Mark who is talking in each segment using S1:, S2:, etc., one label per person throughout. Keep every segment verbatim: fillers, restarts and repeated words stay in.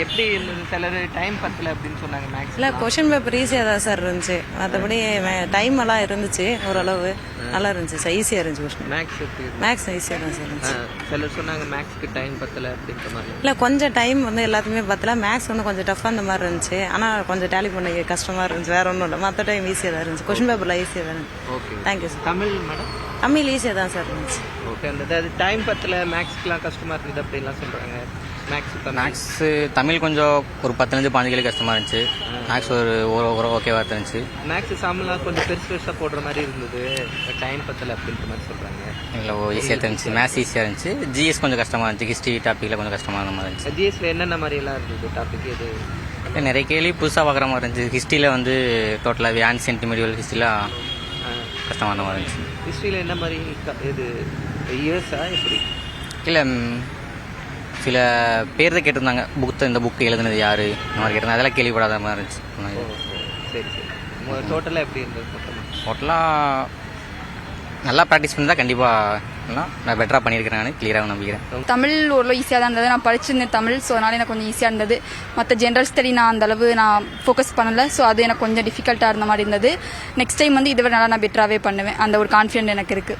S1: எப்படி இருந்தது? சிலர் டைம் பத்தல அப்படின்னு சொன்னாங்க. மேக்ஸ்
S2: இல்லை, கொஷின் பேப்பர் ஈஸியாக தான் சார் இருந்துச்சு. மற்றபடி டைம் எல்லாம் இருந்துச்சு, ஓரளவு நல்லா இருந்துச்சு சார். ஈஸியாக இருந்துச்சு கொஷின்.
S1: மேக்ஸ் எப்படி?
S2: மேக்ஸ் ஈஸியாக தான் சார் இருந்துச்சு.
S1: சிலர் சொன்னாங்க மேக்ஸ்க்கு டைம் பத்தல அப்படின்ற மாதிரி.
S2: இல்லை, கொஞ்சம் டைம் வந்து எல்லாத்துக்குமே பத்தல. மேக்ஸ் வந்து கொஞ்சம் டஃப்பாக அந்த மாதிரி இருந்துச்சு. ஆனால் கொஞ்சம் டேலி பண்ண கஷ்டமாக இருந்துச்சு. வேற ஒன்றும் இல்லை, மற்ற டைம் ஈஸியாக தான் இருந்துச்சு. கொஷின் பேப்பரில் ஈஸியாக தான் இருந்துச்சு.
S1: Okay,
S2: thank you sir.
S1: Tamil madam?
S2: Tamil ஈஸியாக தான் சார் இருந்துச்சு.
S1: ஓகே, அந்த அது டைம் பத்தல, மேக்ஸ்க்குலாம் கஷ்டமாக இருக்குது அப்படின்லாம் சொல்கிறாங்க. மேக்ஸ்
S3: மேக்ஸு தமிழ் கொஞ்சம் ஒரு பத்துலேருந்து பாஞ்சு கிலோ கஷ்டமாக இருந்துச்சு. மேக்ஸ் ஒரு ஒரு ஓகேவாக இருந்துச்சு.
S1: மேக்ஸ் சாமெல்லாம் கொஞ்சம் பெருசு பெருசாக போடுற மாதிரி இருந்தது, டைம் பத்தல அப்படின்ற மாதிரி சொல்கிறாங்க.
S3: இல்லை, ஈஸியாக இருந்துச்சு. மேத்ஸ் ஈஸியாக இருந்துச்சு. ஜிஎஸ் கொஞ்சம் கஷ்டமாக இருந்துச்சு. ஹிஸ்ட்ரி டாப்பிக்கில் கொஞ்சம் கஷ்டமாக இருந்த மாதிரி இருந்துச்சு.
S1: ஜிஎஸ்ல என்னென்ன மாதிரியெல்லாம் இருந்தது டாபிக்? இது
S3: நிறைய கேள்வி புதுசாக பார்க்குற மாதிரி இருந்துச்சு. ஹிஸ்ட்ரியில் வந்து டோட்டலாக ஆன்சியன்ட் மெடிவல் ஹிஸ்ட்ரிலாம் கஷ்டமான மாதிரி இருந்துச்சு.
S1: ஹிஸ்ட்ரியில் என்ன மாதிரி இது இயர்ஸா எப்படி?
S3: இல்லை, சில பேர் தான் கேட்டிருந்தாங்க. புக்கு இந்த புக்கு எழுதுனது யார் இந்த மாதிரி கேட்டிருந்தாங்க. அதெல்லாம் கேள்விப்படாத மாதிரி இருந்துச்சு.
S1: சரி சரி. டோட்டலாக எப்படி இருந்தது? மொத்தமாக
S3: டோட்டலாக நல்லா ப்ராக்டிஸ் பண்ணி தான் கண்டிப்பாக நான் பெட்டராக பண்ணியிருக்கிறேன். நான் கிளியராக நம்பிக்கிறேன்.
S4: தமிழ் ஓரளவு ஈஸியாக தான் இருந்தது. நான் படிச்சிருந்தேன் தமிழ், ஸோ அதனால் எனக்கு கொஞ்சம் ஈஸியாக இருந்தது. மற்ற ஜென்ரல் ஸ்டடி நான் அந்தளவு நான் ஃபோக்கஸ் பண்ணலை, ஸோ அது எனக்கு கொஞ்சம் டிஃபிகல்ட்டாக இருந்த மாதிரி இருந்தது. நெக்ஸ்ட் டைம் வந்து இதை விட நல்லா நான் பெட்டராகவே பண்ணுவேன், அந்த ஒரு கான்ஃபிடென்ட் எனக்கு இருக்குது.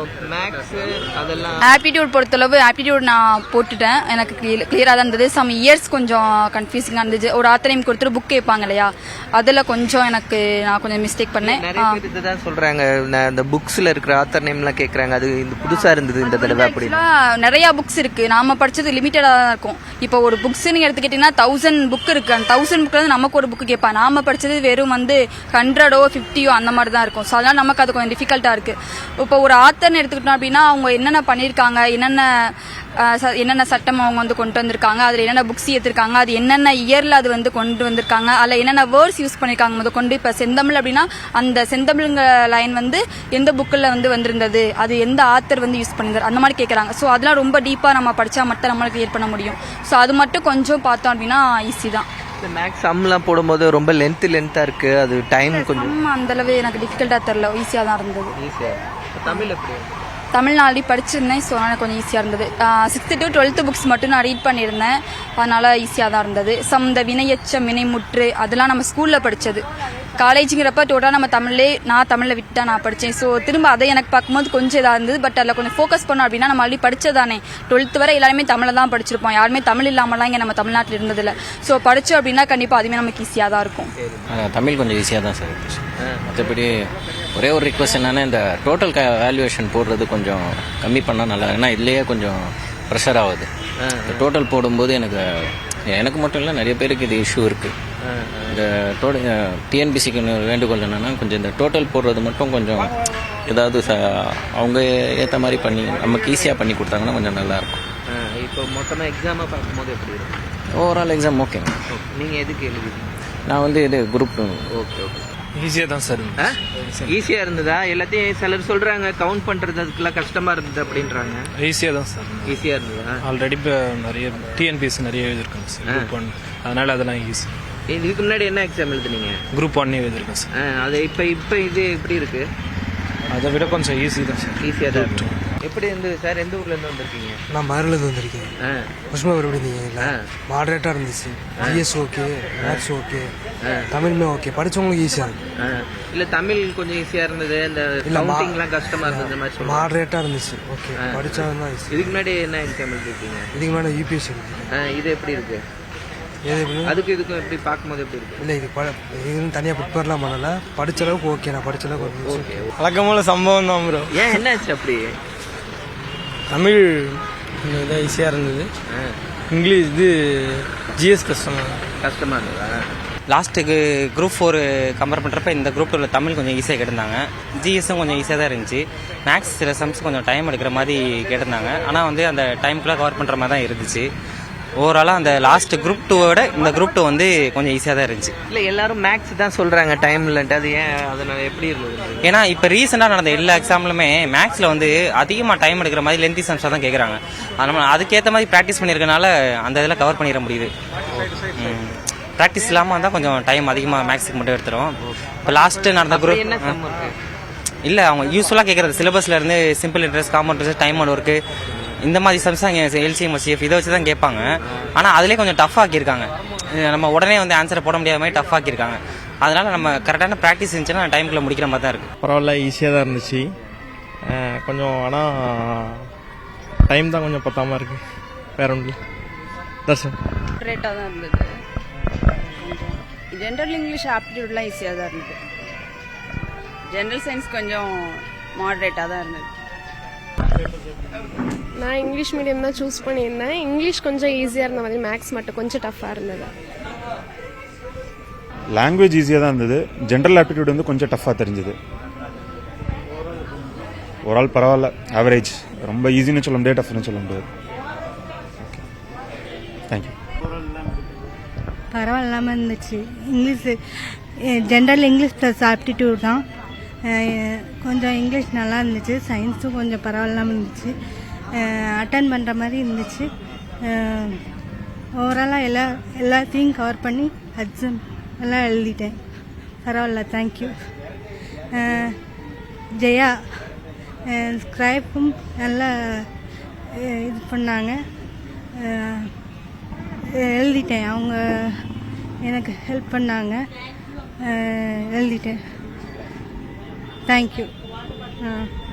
S4: ஆப்டிடியூட் பொறுத்தளவு ஆப்டிடியூட் நான் போட்டுட்டேன். எனக்கு கிளியராக தான் இருந்தது. சம் இயர்ஸ் கொஞ்சம் கன்ஃபியூசிங்காக இருந்துச்சு. ஒரு ஆத்தர் நேம் கொடுத்துட்டு புக் கேட்பாங்க இல்லையா, அதில் கொஞ்சம் எனக்கு நான் கொஞ்சம் மிஸ்டேக் பண்ணேன்.
S1: நிறைய பேர் இதுதான் சொல்கிறாங்க, இந்த புக்ஸில் இருக்கிற ஆத்தர் நேம்லாம் கேட்குறாங்க. அது இந்த புதுசாக இருந்தது இந்த தடவை. அப்படி
S4: நிறையா புக்ஸ் இருக்குது. நாம படித்தது லிமிட்டடாக தான் இருக்கும். இப்போ ஒரு புக்ஸ்ன்னு எடுத்துக்கிட்டிங்கன்னா தௌசண்ட் புக் இருக்குது. அந்த தௌசண்ட் புக்கில் வந்து நமக்கு ஒரு புக்கு கேட்பாங்க. நாம படித்தது வெறும் வந்து ஹண்ட்ரடோ ஃபிஃப்டியோ அந்த மாதிரி தான் இருக்கும். ஸோ அதனால் நமக்கு அது கொஞ்சம் டிஃபிகல்ட்டாக இருக்குது. இப்போ ஒரு ஆத்தர்னு எடுத்துக்கிட்டோம் அப்படின்னா அவங்க என்னென்ன பண்ணியிருக்காங்க, என்னென்ன என்னென்ன சட்டம் அவங்க வந்து கொண்டு வந்திருக்காங்க, அதில் என்னென்ன புக்ஸ் ஏற்றிருக்காங்க, அது என்னென்ன இயரில் அது வந்து கொண்டு வந்திருக்காங்க, அதில் என்னென்ன வேர்ட்ஸ் யூஸ் பண்ணியிருக்காங்க முத கொண்டு. இப்போ செந்தமிழ் அப்படின்னா அந்த செந்தமிழ்ங்கிற லைன் வந்து எந்த புக்கில் வந்து வந்திருந்தது, அது எந்த ஆத்தர் வந்து யூஸ் பண்ணியிருந்தார், அந்த மாதிரி கேட்குறாங்க. ஸோ அதெல்லாம் ரொம்ப டீப்பாக நம்ம படித்தா மட்டும் நம்மளுக்கு கிளியர் பண்ண முடியும். ஸோ அது மட்டும் கொஞ்சம் பார்த்தோம் அப்படின்னா ஈஸி தான்.
S1: மேக்ஸ் சம்லாம் போடும்போது ரொம்ப லென்த் லென்த்தாக இருக்குது. அது டைம் கொஞ்சம்
S4: அந்தளவு எனக்கு டிஃபிகல்ட்டாக தெரில, ஈஸியாக தான் இருந்தது.
S1: ஈஸியாக. தமிழ் எப்படி?
S4: தமிழ் நான் ஆல்ரெடி படிச்சிருந்தேன், ஸோ அதனால் கொஞ்சம் ஈஸியாக இருந்தது. சிக்ஸ்த்து டு டுவெல்த்து புக்ஸ் மட்டும் நான் ரீட் பண்ணியிருந்தேன், அதனால் ஈஸியாக தான் இருந்தது. சம் இந்த வினையச்சம் வினைமுற்று அதெல்லாம் நம்ம ஸ்கூலில் படித்தது. காலேஜுங்கிறப்ப டோட்டலாக நம்ம தமிழ்லே நான் தமிழில் விட்டு தான் நான் படித்தேன். ஸோ திரும்ப அதை எனக்கு பார்க்கும்போது கொஞ்சம் இதாக இருந்தது. பட் அதில் கொஞ்சம் ஃபோக்கஸ் பண்ணோம் அப்படின்னா நம்ம ஆல்ரெடி படித்ததானே. டுவெல்த்து வரை எல்லாருமே தமிழில் தான் படிச்சிருப்போம். யாருமே தமிழ் இல்லாமலாம் இங்கே நம்ம தமிழ்நாட்டில் இருந்ததில்லை. ஸோ படித்தோம் அப்படின்னா கண்டிப்பாக அதுவுமே நமக்கு ஈஸியாக தான் இருக்கும்.
S5: தமிழ் கொஞ்சம் ஈஸியாக தான் சார் இருந்துச்சு. மற்றபடி ஒரே ஒரு ரிக்வஸ்ட் என்னன்னா, இந்த டோட்டல் வேல்யூவேஷன் போடுறது கொஞ்சம் கம்மி பண்ணால் நல்லா. ஏன்னா இதுலேயே கொஞ்சம் ப்ரெஷர் ஆகுது. டோட்டல் போடும்போது எனக்கு எனக்கு மட்டும் இல்லை, நிறைய பேருக்கு இது இஷ்யூ இருக்குது. இந்த டோட்டல் டிஎன்பிசிக்கு வேண்டுகோள் என்னென்னா, கொஞ்சம் இந்த டோட்டல் போடுறது மட்டும் கொஞ்சம் ஏதாவது ச அவங்க ஏற்ற மாதிரி பண்ணி நமக்கு ஈஸியாக பண்ணி கொடுத்தாங்கன்னா கொஞ்சம் நல்லாயிருக்கும்.
S1: இப்போ மொத்தமாக எக்ஸாமை பார்க்கும்போது எப்படி இருக்கும்?
S5: Overall exam okay.
S1: நீங்கள் எதுக்கு எழுதிங்க?
S5: நான் வந்து இது குரூப் டூ.
S1: Okay okay.
S6: ஈஸியாக தான் சார்.
S1: ஈஸியாக இருந்ததா? எல்லாத்தையும் சிலர் சொல்கிறாங்க கவுண்ட் பண்ணுறது அதுக்கெல்லாம் கஷ்டமாக இருந்தது அப்படின்றாங்க.
S6: ஈஸியாக தான் சார்.
S1: ஈஸியாக இருந்ததா?
S6: ஆல்ரெடி இப்போ நிறைய டிஎன்பிஎஸ்சி நிறைய எழுதியிருக்காங்க சார், குரூப் ஒன். அதனால் அதெல்லாம் ஈஸி.
S1: இதுக்கு முன்னாடி என்ன எக்ஸாம் எழுதுனீங்க?
S6: குரூப் ஒன்னே எழுதியிருக்கேன் சார்.
S1: அது இப்போ இப்போ இது எப்படி இருக்குது?
S6: அதை விட கொஞ்சம் ஈஸி தான் சார்.
S1: ஈஸியாக தான் இருக்கும். எப்படி இருந்தது சார்? எந்த ஊர்லேருந்து வந்திருக்கீங்க?
S7: நான் மதுரையிலேருந்து வந்திருக்கேன். புஷ்மா எப்படி இருந்தீங்க? மாடரேட்டாக இருந்துச்சு. ஜிஎஸ் ஓகே, மேத்ஸ் ஓகே, தமிழுமே ஓகே. படித்தவங்களுக்கு ஈஸியாக இருக்கு.
S1: இல்லை, தமிழ் கொஞ்சம் ஈஸியாக இருந்தது, இந்த கவுண்டிங்லாம் கஷ்டமாக இருந்தது மாதிரி சொல்லுங்கள்.
S7: மாடரேட்டாக இருந்துச்சு. ஓகே, படித்தவங்க தான் ஈஸி.
S1: இதுக்கு முன்னாடி என்ன எக்ஸாம் எழுதிருக்கீங்க?
S7: இதுக்கு முன்னாடி யூபிஎஸ்சி எழுதிருக்கேன்.
S1: இது எப்படி இருக்குது?
S7: அதுக்கு
S1: இதுக்கும் எப்படி பார்க்கும்போது எப்படி இருக்கு?
S7: இல்லை, இது இதுன்னு தனியாக ப்ரிப்பேர்லாம் பண்ணலை. படித்த அளவுக்கு ஓகே. நான் படித்த அளவுக்கு ஓகே.
S6: வழக்கமான சம்பவம் தான் ப்ரோ.
S1: ஏன் என்னாச்சு அப்படி?
S6: தமிழ் இதாக ஈஸியாக இருந்தது. இங்கிலீஷ் இது ஜிஎஸ் கஷ்டமாக
S1: கஷ்டமாக இருந்ததா?
S3: லாஸ்ட்டுக்கு குரூப் ஃபோர் கம்பேர் பண்ணுறப்ப இந்த குரூப் டூவில் தமிழ் கொஞ்சம் ஈஸியாக கேட்டிருந்தாங்க. ஜிஎஸும் கொஞ்சம் ஈஸியாக தான் இருந்துச்சு. மேக்ஸ் சில சம்ஸ் கொஞ்சம் டைம் எடுக்கிற மாதிரி கேட்டிருந்தாங்க. ஆனால் வந்து அந்த டைமுக்குள்ளே கவர் பண்ணுற மாதிரி தான் இருந்துச்சு. ஓவராலாக அந்த லாஸ்ட் குரூப் டூவோட இந்த குரூப் டூ வந்து கொஞ்சம் ஈஸியாக தான் இருந்துச்சு.
S1: இல்லை, எல்லாரும் மேக்ஸ் தான் சொல்கிறாங்க டைம் இல்லைன்ட்டு. அது ஏன்? அதனால் எப்படி இருந்தது?
S3: ஏன்னா இப்போ ரீசெண்டாக நடந்த எல்லா எக்ஸாம்லுமே மேக்ஸில் வந்து அதிகமாக டைம் எடுக்கிற மாதிரி லென்த்தி சம்ஸாக தான் கேட்குறாங்க. அதனால் அதுக்கேற்ற மாதிரி ப்ராக்டிஸ் பண்ணியிருக்கனால அந்த இதில் கவர் பண்ணிட முடியுது. ப்ராக்டிஸ் இல்லாமல் இருந்தால் கொஞ்சம் டைம் அதிகமாக மேக்ஸுக்கு மட்டும் எடுத்துரும். இப்போ லாஸ்ட்டு நடந்த குரூப் இல்லை, அவங்க யூஸ்ஃபுல்லாக கேட்குறது சிலபஸில் இருந்து simple interest, common interest, time and work, இந்த மாதிரி சம்ஸ் அங்கே எல்சிஎம் சிஎஃப் இதை வச்சு தான் கேட்பாங்க. ஆனால் அதிலே கொஞ்சம் டஃப் ஆக்கியிருக்காங்க. நம்ம உடனே வந்து ஆன்சரை போட முடியாத மாதிரி டஃப் ஆக்கியிருக்காங்க. அதனால நம்ம கரெக்டான ப்ராக்டிஸ் இருந்துச்சுன்னா டைமுக்குள்ள முடிக்கிற மாதிரி தான் இருக்குது.
S8: பரவாயில்ல, ஈஸியாக தான் இருந்துச்சு. கொஞ்சம் ஆனால் டைம் தான் கொஞ்சம் பத்தாமல் இருக்குது. வேற ஒன்று தர்ஷன்
S9: ரேட்டாக தான் இருந்தது. ஜென்ரல் இங்கிலீஷ் ஆப்டிடியூட்லாம் ஈஸியாக தான் இருந்தது. ஜென்ரல் சயின்ஸ் கொஞ்சம் மாடரேட்டாக தான் இருந்தது.
S10: நான் இங்கிலீஷ் மீடியம் தான் சூஸ் பண்ணியிருந்தேன். இங்கிலீஷ் கொஞ்சம் ஈஸியாக இருந்த மாதிரி, மேக்ஸ் மட்டும் கொஞ்சம் டஃப்பாக இருந்தது.
S11: லாங்குவேஜ் ஈஸியாக தான் இருந்தது. ஜென்ரல் ஆப்டிடியூட் வந்து கொஞ்சம் டஃப்பாக தெரிஞ்சது. ஒரு ஆள் பரவாயில்ல, ஆவரேஜ். ரொம்ப ஈஸின்னு சொல்ல முடியாது, டஃப்னு சொல்ல முடியாது. தேங்க்யூ.
S12: பரவாயில்லாமல் இருந்துச்சு. English general English plus aptitude தான். கொஞ்சம் இங்கிலீஷ் நல்லா இருந்துச்சு. சயின்ஸும் கொஞ்சம் பரவாயில்லாமல் இருந்துச்சு. அட்டன் பண்ணுற மாதிரி இருந்துச்சு. ஓவராலாக எல்லா எல்லாத்தையும் கவர் பண்ணி எக்ஸாம் எல்லாம் எழுதிட்டேன். பரவாயில்ல, தேங்க்யூ. ஜெயா ஸ்கிரைப்பும் நல்லா இது பண்ணாங்க. எழுதிட்டேன். அவங்க எனக்கு ஹெல்ப் பண்ணாங்க. எழுதிட்டேன். தேங்க்யூ.